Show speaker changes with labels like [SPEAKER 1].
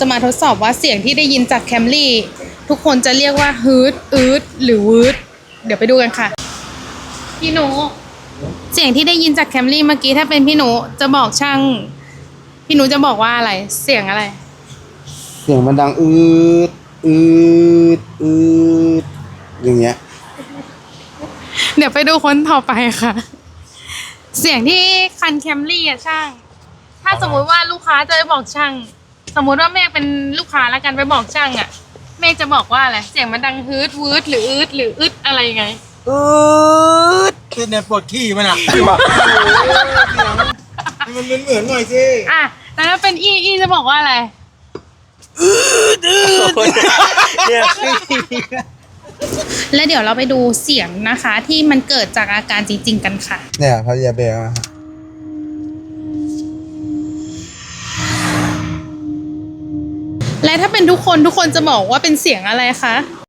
[SPEAKER 1] จะมาทดสอบว่าเสียงที่ได้ยินจากแคมรี่ทุกคนจะเรียกว่าฮืดอืดหรือวืดเดี๋ยวไปดูกันค่ะพี่หนูเสียงที่ได้ยินจากแคมรี่เมื่อกี้ถ้าเป็นพี่หนูจะบอกช่างพี่หนูจะบอกว่าอะไรเสียงอะไร
[SPEAKER 2] เสียงมันดังดอือืดอย่างเงี้ย
[SPEAKER 1] เดี๋ยวไปดูคนต่อไปค่ะเสียงที่คันแคมรี่อะช่างถ้าสมมุติว่าลูกค้าจะไปบอกช่างสมมุติว่าเมฆเป็นลูกค้าแล้วกันไปบอกช่างอะเมฆจะบอกว่าอะไรเสียงมันดังฮืดวืดหรืออืดหรืออึดอะไรไง
[SPEAKER 3] คือเนี่ยปวดขี้มันอ่ะมันเหมือนหน่อยสิ
[SPEAKER 1] อ่ะแต่ถ้าเป็นอีจะบอกว่าอะไร
[SPEAKER 3] เนี่ย
[SPEAKER 1] และเดี๋ยวเราไปดูเสียงนะคะที่มันเกิดจากอาการจริงๆกันค่ะ
[SPEAKER 2] เนี่ยพยาเบลมา
[SPEAKER 1] และถ้าเป็นทุกคนจะบอกว่าเป็นเสียงอะไรคะ